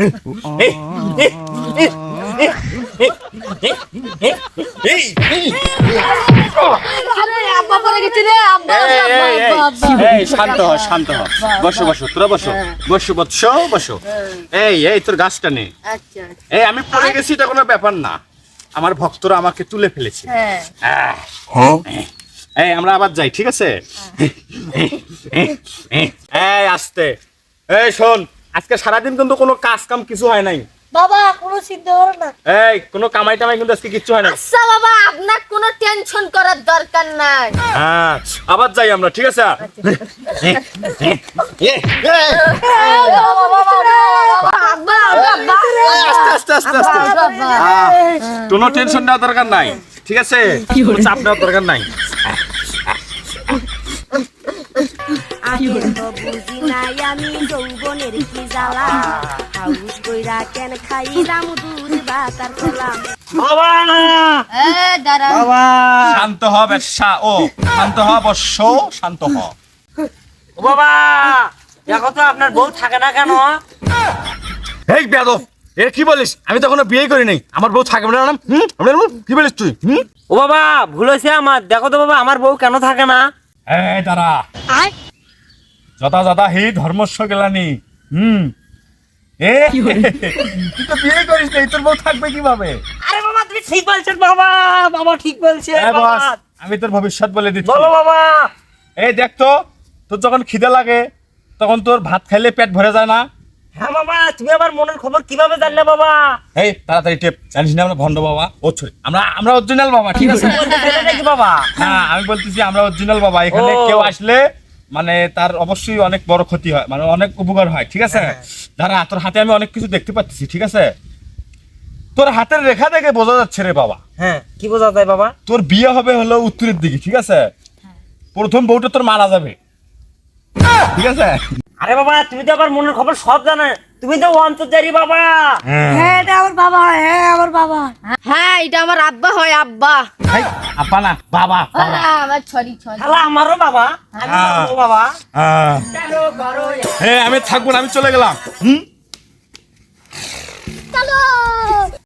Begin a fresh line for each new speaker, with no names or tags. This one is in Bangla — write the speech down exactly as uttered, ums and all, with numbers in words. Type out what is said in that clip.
শান্ত হ শান্ত হ বসো বসো তোরা বসো বসো বসো বসো এই এই তোর গাছটা নে এই আমি পড়ে গেছি এটা কোনো ব্যাপার না আমার ভক্তরা আমাকে তুলে ফেলেছে এই আমরা আবার যাই ঠিক আছে এই আস্তে এই শোন আজকে সারাদিন কিন্তু কোনো কাজ কাম কিছু হয় নাই
বাবা কোনো চিন্তা করো না
এই কোনো কামাই টামাই কিন্তু আজকে কিচ্ছু হয় না
আচ্ছা বাবা আপনার কোনো টেনশন করার দরকার নাই
হ্যাঁ আবার যাই আমরা ঠিক আছে আস্তে আস্তে আস্তে কোনো টেনশন নেওয়ার দরকার নাই ঠিক আছে চাপ নেওয়ার দরকার নাই
আগে তো বুঝি নাই আমি যৌবনের কি জ্বালা হাউস কইরা কেন খাইলাম দুধ বাতার কলাম
বাবা
এ দাঁড়া
বাবা শান্ত হ বেশ্যা ও শান্ত হ বর্ষ শান্ত হ
ও বাবা দেখো তো আপনার বউ থাকে না কেন
এই বেয়াদব এ কি বলিস আমি তো এখনো বিয়ে করি নাই আমার বউ থাকবে না হুম আমার বউ কি বলিস তুই হুম
ও বাবা ভুল হয়েছে আমার দেখো তো বাবা আমার বউ কেন থাকে না
এই দাঁড়া যথা যথা হি ধর্মস্ব গেলানি হুম এ তুই তো বিয়ে করিস নাই তোর বউ থাকবে কিভাবে
আরে বাবা তুমি ঠিক বলছেন বাবা বাবা ঠিক বলছেন
এই বস আমি তোর ভবিষ্যৎ বলে দিচ্ছি
বলো বাবা
এই দেখ তো তোর যখন খিদে লাগে তখন তোর ভাত খাইলে পেট ভরে যায় না
হ্যাঁ বাবা তুমি আমার মনের খবর কিভাবে জানলে বাবা
এই তাড়াতাড়ি টেপ জানিস না আমরা ভন্ড বাবা ও ছড়ি আমরা আমরা অরিজিনাল বাবা ঠিক আছে
নাকি বাবা
হ্যাঁ আমি বলতেছি আমরা অরিজিনাল বাবা এখানে
ও।
কেউ আসলে মানে তার অবশ্যই অনেক বড় ক্ষতি হয় মানে অনেক উপকার হয় ঠিক আছে দাঁড়া তোর হাতে আমি অনেক কিছু দেখতে পাচ্ছি ঠিক আছে তোর হাতের রেখা দেখে বোঝা যাচ্ছে রে বাবা
হ্যাঁ কি বোঝা যায় বাবা
তোর বিয়ে হবে হলো উত্তরের দিকে ঠিক আছে প্রথম বউটা তোর মারা যাবে ঠিক আছে
আরে বাবা তুমি তো আমার মনের খবর সব জানো তুমি তো অন্তর্জারি বাবা
হ্যাঁ এটা আমার বাবা হ্যাঁ আমার বাবা হ্যাঁ এটা আমার আব্বা হয় আব্বা
এই, আপা না বাবা বাবা
আমার ছড়ি ছড়ি
শালা আমারও বাবা আমি
হ্যাঁ।
বলবো বাবা
আহ, হ্যাঁ আমি থাকবো না আমি চলে গেলাম হুম
চলো